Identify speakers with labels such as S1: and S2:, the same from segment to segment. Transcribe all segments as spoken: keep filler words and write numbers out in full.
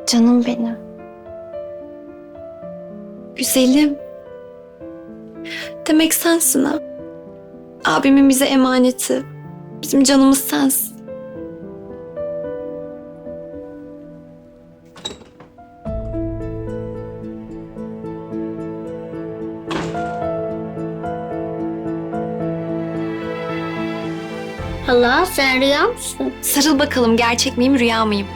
S1: Canım benim. Güzelim. Demek sensin ha. Abimin bize emaneti. Bizim canımız sensin.
S2: Hala sen rüya mısın?
S1: Sarıl bakalım, gerçek miyim, rüya mıyım?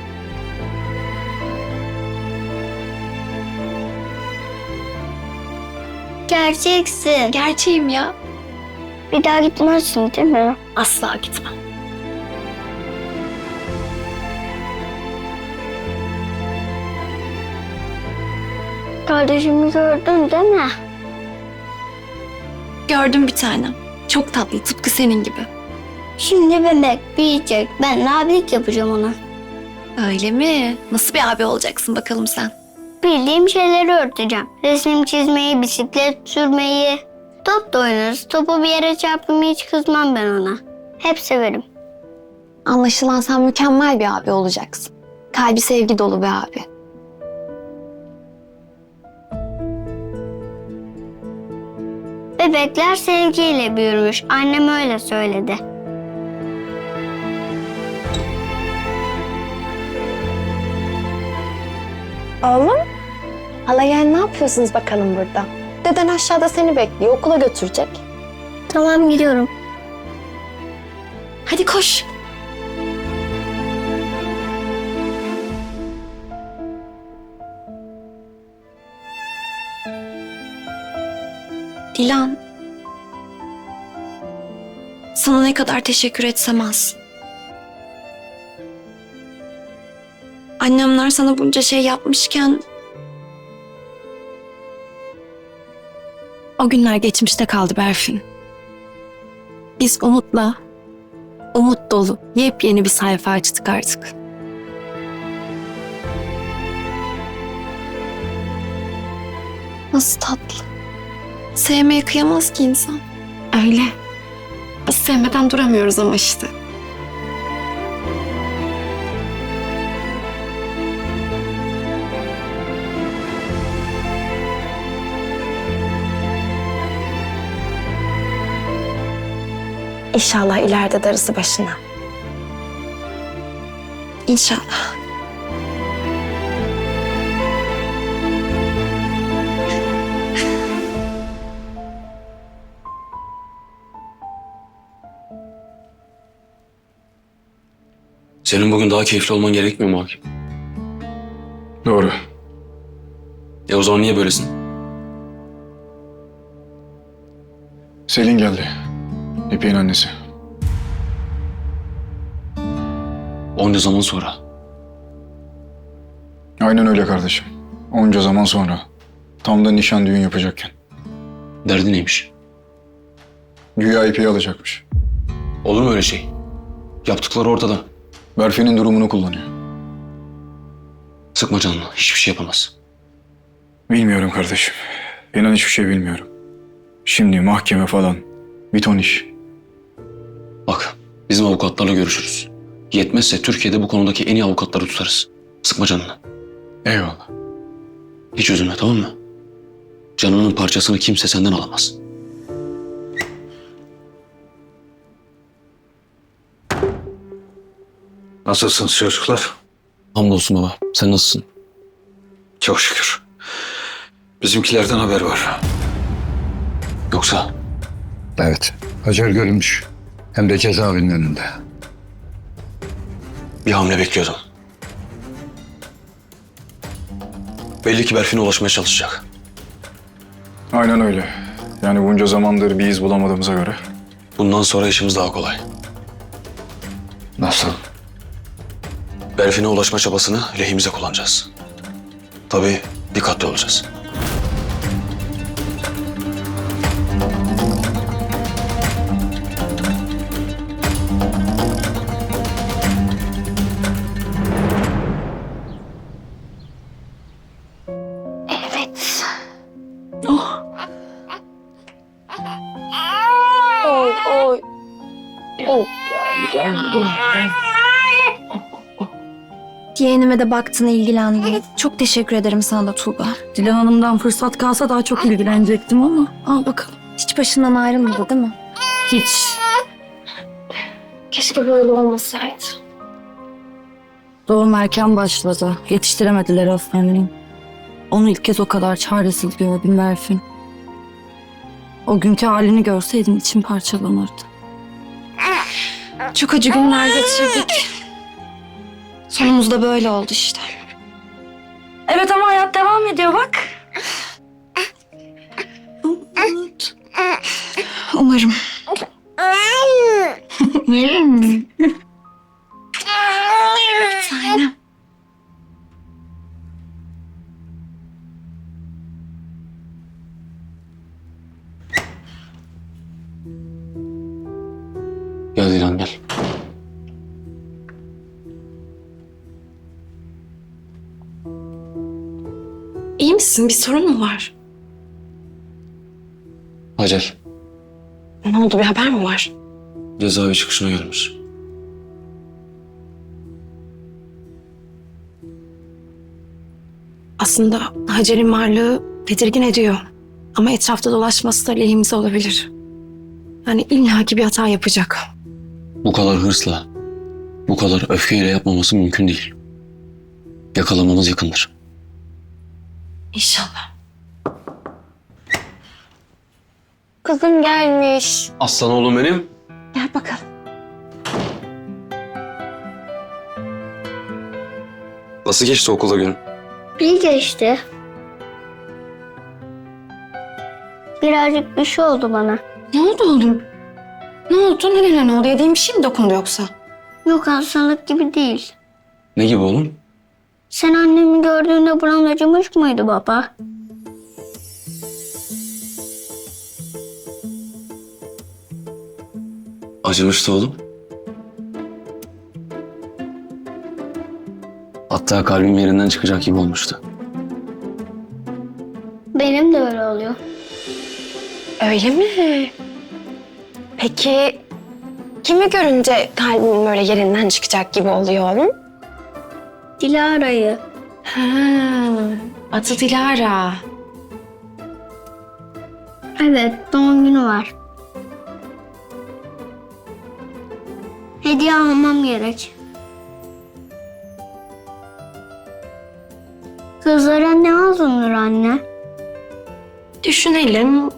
S2: Gerçeksin.
S1: Gerçeğim ya.
S2: Bir daha gitmezsin değil mi?
S1: Asla gitmem.
S2: Kardeşimi gördün değil mi?
S1: Gördüm bir tanem. Çok tatlı, tıpkı senin gibi.
S2: Şimdi bebek büyüyecek. Ben de abilik yapacağım ona.
S1: Öyle mi? Nasıl bir abi olacaksın bakalım sen?
S2: Bildiğim şeyleri öğreteceğim. Resim çizmeyi, bisiklet sürmeyi. Top da oynarız. Topu bir yere çarptım hiç kızmam ben ona. Hep severim.
S1: Anlaşılan sen mükemmel bir abi olacaksın. Kalbi sevgi dolu bir abi.
S2: Bebekler sevgiyle büyürmüş. Annem öyle söyledi.
S3: Oğlum, hala yani ne yapıyorsunuz bakalım burada? Deden aşağıda seni bekliyor, okula götürecek.
S2: Tamam gidiyorum.
S1: Hadi koş. Dilan. Sana ne kadar teşekkür etsem az. Annemler sana bunca şey yapmışken... O günler geçmişte kaldı Berfin. Biz umutla, umut dolu yepyeni bir sayfa açtık artık. Nasıl tatlı. Sevmeye kıyamaz ki insan. Öyle. Biz sevmeden duramıyoruz ama işte.
S3: İnşallah ileride darısı başına.
S1: İnşallah.
S4: Senin bugün daha keyifli olman gerekmiyor mu Hakim?
S5: Doğru.
S4: E o zaman niye böylesin?
S5: Selin geldi. İpek'in annesi.
S4: Onca zaman sonra.
S5: Aynen öyle kardeşim. Onca zaman sonra. Tam da nişan düğün yapacakken.
S4: Derdi neymiş?
S5: Güya İpek'i alacakmış.
S4: Olur mu öyle şey? Yaptıkları ortada.
S5: Berfi'nin durumunu kullanıyor.
S4: Sıkma canını. Hiçbir şey yapamaz.
S5: Bilmiyorum kardeşim. İnan hiçbir şey bilmiyorum. Şimdi mahkeme falan. Bir ton iş.
S4: Bak, bizim avukatlarla görüşürüz. Yetmezse Türkiye'de bu konudaki en iyi avukatları tutarız. Sıkma canını.
S5: Eyvallah.
S4: Hiç üzülme, tamam mı? Canının parçasını kimse senden alamaz.
S6: Nasılsınız çocuklar?
S4: Hamdolsun baba. Sen nasılsın?
S6: Çok şükür. Bizimkilerden haber var.
S4: Yoksa
S6: Evet. Hacer görülmüş. Hem de cezaevinin önünde.
S4: bir hamle bekliyordum. Belli ki Berfin'e ulaşmaya çalışacak.
S5: Aynen öyle. Yani bunca zamandır bir iz bulamadığımıza göre.
S4: Bundan sonra işimiz daha kolay.
S6: Nasıl?
S4: Berfin'e ulaşma çabasını lehimize kullanacağız. Tabii dikkatli olacağız.
S1: Evet. Oh.
S3: Oy oy. Yeğenime de baktın, ilgilendin. Çok teşekkür ederim sana da Tuğba.
S7: Dilan Hanım'dan fırsat kalsa daha çok ilgilenecektim ama al bakalım.
S3: Hiç başından ayrılmadı değil mi?
S7: Hiç.
S3: Keşke böyle olmasaydı.
S7: Doğum erken başladı. Yetiştiremediler hastaneyi. Onu ilk kez o kadar çaresiz gördüm Berfin. O günkü halini görseydim içim parçalanırdı.
S3: Çok acı günler geçirdik. Sonumuz da böyle oldu işte.
S7: Evet ama hayat devam ediyor bak.
S3: Umarım. Sanem.
S4: Gel Dilan gel.
S1: İyi misin? Bir sorun mu var?
S4: Hacer
S1: Ne oldu? Bir haber mi var?
S4: cezaevi çıkışına gelmiş.
S1: Aslında Hacer'in varlığı tedirgin ediyor. Ama etrafta dolaşması da lehimize olabilir. Yani illaki bir hata yapacak.
S4: Bu kadar hırsla, bu kadar öfkeyle yapmaması mümkün değil. Yakalamamız yakındır.
S1: İnşallah.
S3: Kızım gelmiş.
S4: Aslan oğlum benim.
S3: Gel bakalım.
S4: Nasıl geçti okulda günün?
S2: İyi geçti. Birazcık bir şey oldu bana.
S1: Ne oldu oğlum? Ne oldu? Nereye ne oldu? Yediğin bir şey mi dokundu yoksa?
S2: Yok, hastalık gibi değil.
S4: Ne gibi oğlum?
S2: Sen annemi gördüğünde buran acımış mıydı baba?
S4: Acımıştı oğlum. Hatta kalbim yerinden çıkacak gibi olmuştu.
S2: Benim de öyle oluyor.
S3: Öyle mi? Peki kimi görünce kalbimin böyle yerinden çıkacak gibi oluyor oğlum?
S2: Dilara'yı.
S1: Ha, adı Dilara.
S2: Evet, doğum günü var. Hediye almam gerek. Kızlara ne alınır anne?
S1: Düşünelim.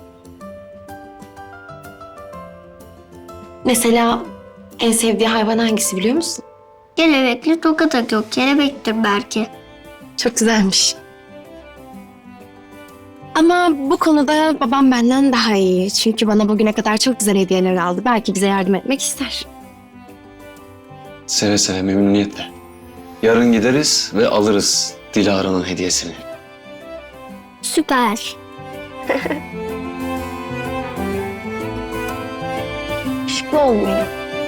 S1: Mesela en sevdiği hayvan hangisi biliyor musun?
S2: Kelebekli tokat yok, kelebektir belki.
S1: Çok güzelmiş. Ama bu konuda babam benden daha iyi. Çünkü bana bugüne kadar çok güzel hediyeler aldı. Belki bize yardım etmek ister.
S4: Seve seve, memnuniyetle. Yarın gideriz ve alırız Dilara'nın hediyesini.
S2: Süper.
S3: Şıklı olmuyor.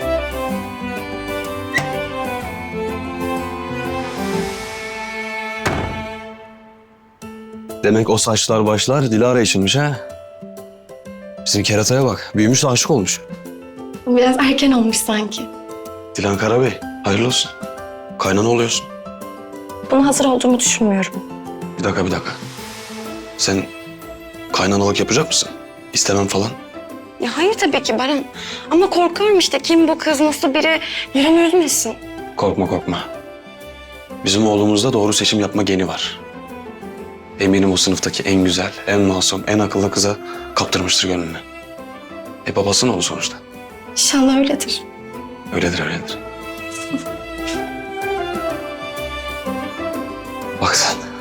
S8: Demek o saçlar başlar Dilara içinmiş ha? Bizim kerataya bak. Büyümüş de aşık olmuş.
S1: Biraz erken olmuş sanki.
S8: Dilan Karabey, hayırlı olsun. Kaynana oluyorsun.
S3: Buna hazır olduğumu düşünmüyorum.
S8: Bir dakika, bir dakika. Sen kaynanalık yapacak mısın? İstemem falan.
S3: Ya hayır tabii ki Baran. Ama korkuyorum işte, kim bu kız, nasıl biri, yüreğimi üzmesin.
S8: Korkma, korkma. Bizim oğlumuzda doğru seçim yapma geni var. Eminim o sınıftaki en güzel, en masum, en akıllı kıza kaptırmıştır gönlünü. E babasının oğlu sonuçta.
S1: İnşallah öyledir.
S8: Öyledir, öyledir. Bak sen.